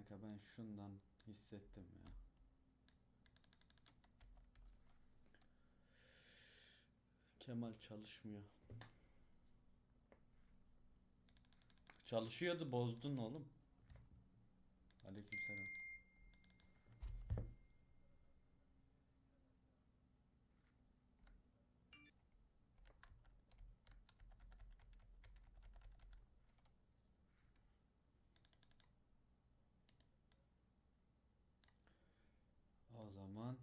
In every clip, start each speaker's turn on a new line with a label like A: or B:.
A: Kanka ben şundan hissettim ya. Kemal çalışmıyor. Çalışıyordu, bozdun oğlum. Aleykümselam. O zaman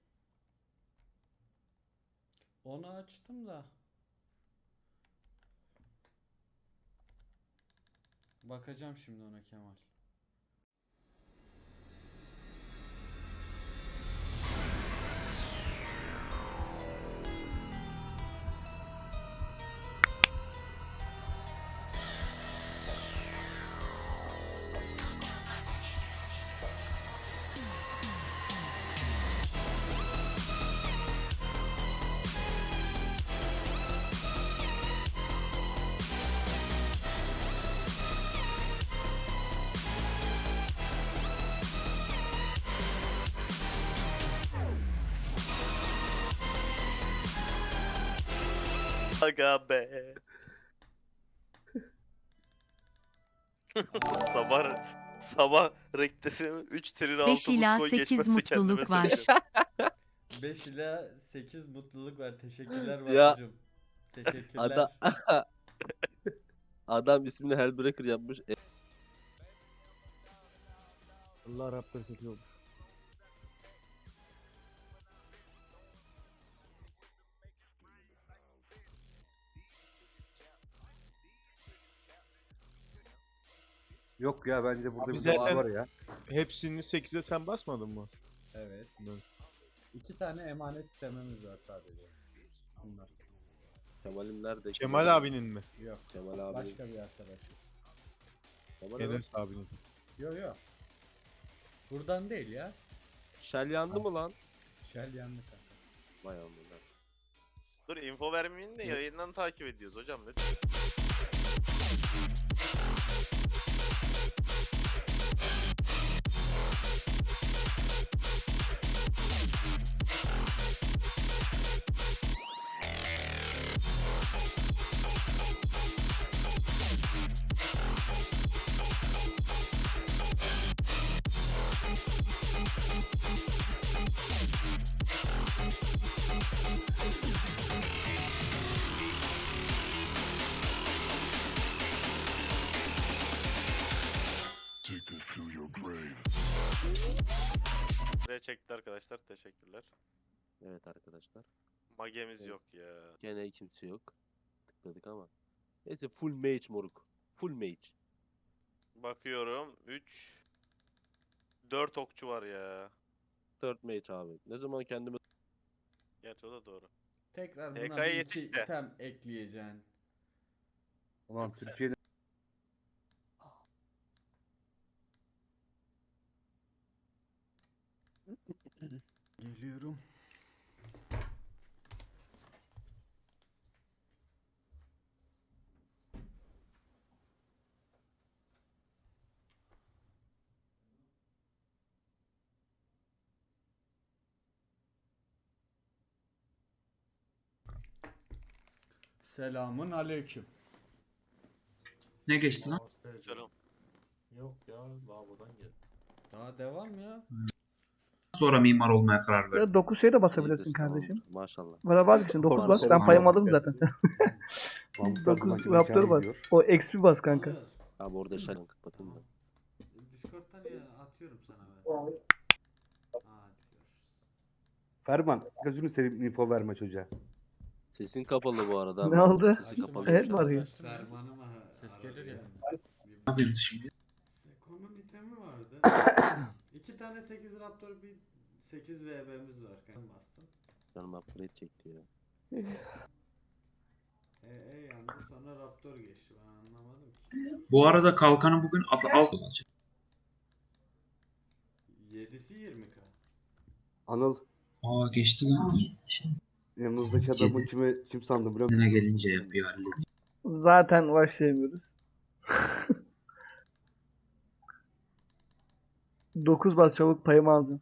A: onu açtım da bakacağım şimdi ona Kemal.
B: Aga be. sabah rektesine 3 trir
C: 5
B: altı buz
C: ila
B: koy
C: 8
B: geçmezse kendime
C: mutluluk var.
B: söyleyeceğim.
A: 5 ila 8 mutluluk var. Teşekkürler
D: Ya.
A: Batucuğum. Teşekkürler.
D: Adam ismini Hellbreaker yapmış.
E: Allah Raptor çekiyormuş.
F: Yok ya bence burada
E: Abi
F: bir
E: zaten-
F: zaten... var ya.
E: Hepsini 8'e sen basmadın mı?
A: Evet.
E: Evet.
A: 2 tane emanet istememiz var sadece. Bunlar.
D: Kemal'im nerede?
E: Kemal abinin mi?
A: Yok.
D: Kemal abi.
A: Başka bir arkadaşım.
D: Kemal abi.
E: Enes abinin.
A: Yok yok. Buradan değil ya.
D: Shell yandı mı lan?
A: Shell yandı kanka.
D: Vay amına.
B: Dur info vermeyin de yayından takip ediyoruz hocam lütfen. Buraya çekti arkadaşlar teşekkürler.
D: Evet arkadaşlar.
B: Magemiz
D: Evet.
B: yok ya.
D: Gene kimse yok. Tıkladık ama. Neyse full mage moruk. Full mage.
B: Bakıyorum 3 4 okçu var ya.
D: 4 mage abi. Ne zaman kendimi
B: Gerçi o da doğru.
A: Tekrar buna
B: TK'ya
A: bir iki
B: yetiş de.
A: item ekleyeceksin.
F: Ulan
B: Yoksa-
F: Türkiye'de
A: Geliyorum. Selamun aleyküm.
G: Ne geçti lan?
B: Selam.
H: Yok ya, lavabodan geldi.
A: Daha devam ya.
G: Sonra mimar olmaya karar verdim.
I: 9 şey de basabilirsin
D: İyidir,
I: kardeşim.
D: tamamdır. Maşallah.
I: Bana bak için 9
F: Orada
I: bas. Ben
F: selam
I: payımı
F: aldım.
I: aldım zaten.
F: Mahmut
I: 9
F: Arzum
I: Raptor
F: hikâye
I: bas.
F: ediyor.
I: O XP bas kanka.
A: Alır.
D: Abi orada shell kapatayım da.
A: Discord'dan ya atıyorum sana ben. Hadi görüşürüz.
F: Ferman gözünü seveyim info verme çocuğa.
D: Sesin kapalı bu arada.
I: Ne
D: abi.
I: oldu?
D: Sesin
A: Açtım,
D: kapalı.
I: Evet,
A: açtım,
I: var ya.
A: açtım. Fermanıma ses gelir ya.
G: Ne yapıyoruz şimdi?
A: Seko'nun itemi vardı. 2 tane 8 Raptor bir 8 VB'miz var. Ben bastım.
D: Canım upgrade çekti ya.
A: Yandı sonra Raptor geçti. Ben anlamadım ki.
G: Bu arada kalkanı bugün alt olacak.
A: 7'si 20k.
F: Anıl
G: Aa geçti lan.
F: yanınızdaki adamı kim sandı biliyor musun?
G: Ne gelince yapıyor hallediyor.
I: Zaten başlayamıyoruz. 9 bas çabuk payımı alacağım.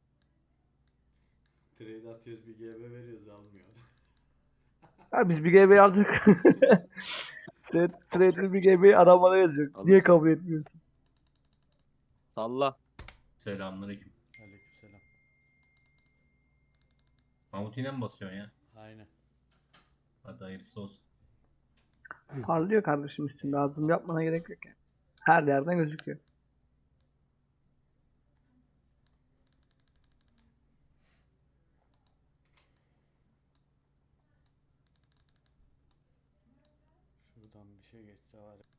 A: Trade atıyoruz bir GB veriyoruz almıyor.
I: Ha biz bir GB aldık. Trade'li bir GB arabana yazıyor. Niye
D: Alırsın.
I: kabul etmiyorsun?
D: Salla.
H: Selamünaleyküm.
A: Aleykümselam.
H: Mahmut yine mi basıyorsun ya?
A: Aynen.
H: Hadi hayırlısı olsun.
I: Parlıyor kardeşim üstünde. Ağzım yapmana gerek yok yani. Her yerden gözüküyor.
A: Şuradan bir şey geçse var ya.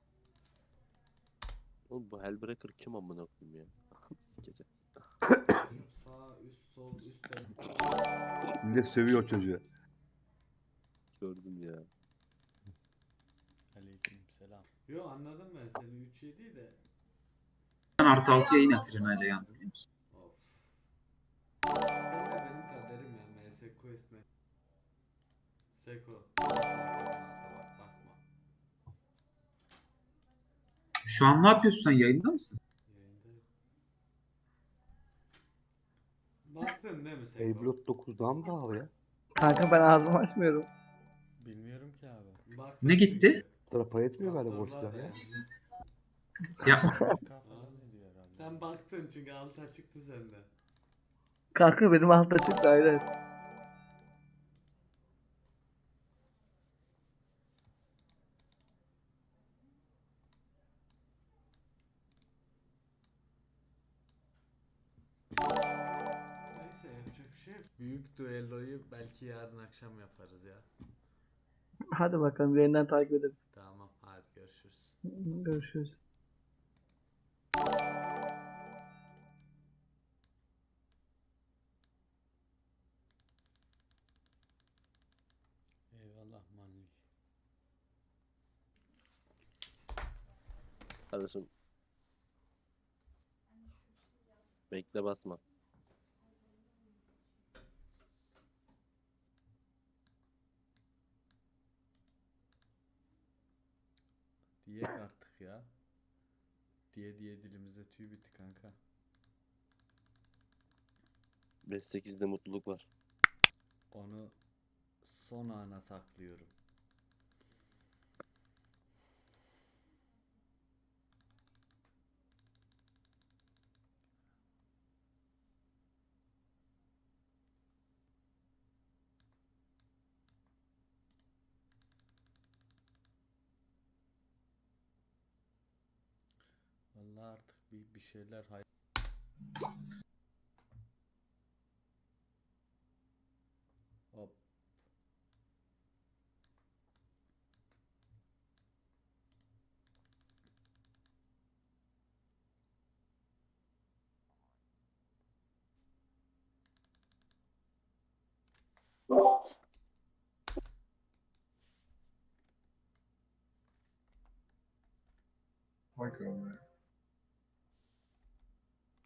D: Oğlum bu Hellbreaker kim amına koyayım ya? Sikeceğim.
A: Sağ üst sol üstte.
F: Bir de sövüyor çocuğu.
D: Gördüm ya.
A: Aleykümselam. Yo anladım ben seni 3-7 de.
G: Ben artı 6 yayın Atrina'yla yandı biliyor musun?
A: Of. Sen de benim kaderim ya. MS Quest mi? Seko. Bakma.
G: Şu an ne yapıyorsun sen, yayında mısın?
A: Yayındayım. Baktın değil mi Seko?
F: Eyblot 9'dan mı pahalı ya?
I: Kanka ben ağzımı açmıyorum.
A: Bilmiyorum ki abi. Baktın
G: Ne gitti?
A: çünkü.
F: Bu kadar para etmiyor galiba bu
A: Raptor var
F: silah
A: da
F: ya.
A: yani.
G: Ya
A: Sen baktın çünkü altı çıktı sende.
I: Kanka benim altta çıktı aynen.
A: Neyse yapacak bir şey yok. Büyük düelloyu belki yarın akşam yaparız ya.
I: Hadi bakalım yayından takip edelim.
A: Tamam hadi görüşürüz.
I: Görüşürüz.
A: Eyvallah manli.
D: Kardeşim. Bekle basma.
A: Diyek artık ya. Diye dilimizde tüy bitti kanka.
D: 5-8'de mutluluk var.
A: Onu son ana saklıyorum. Vallahi artık bir şeyler Hop.
C: Michael, man.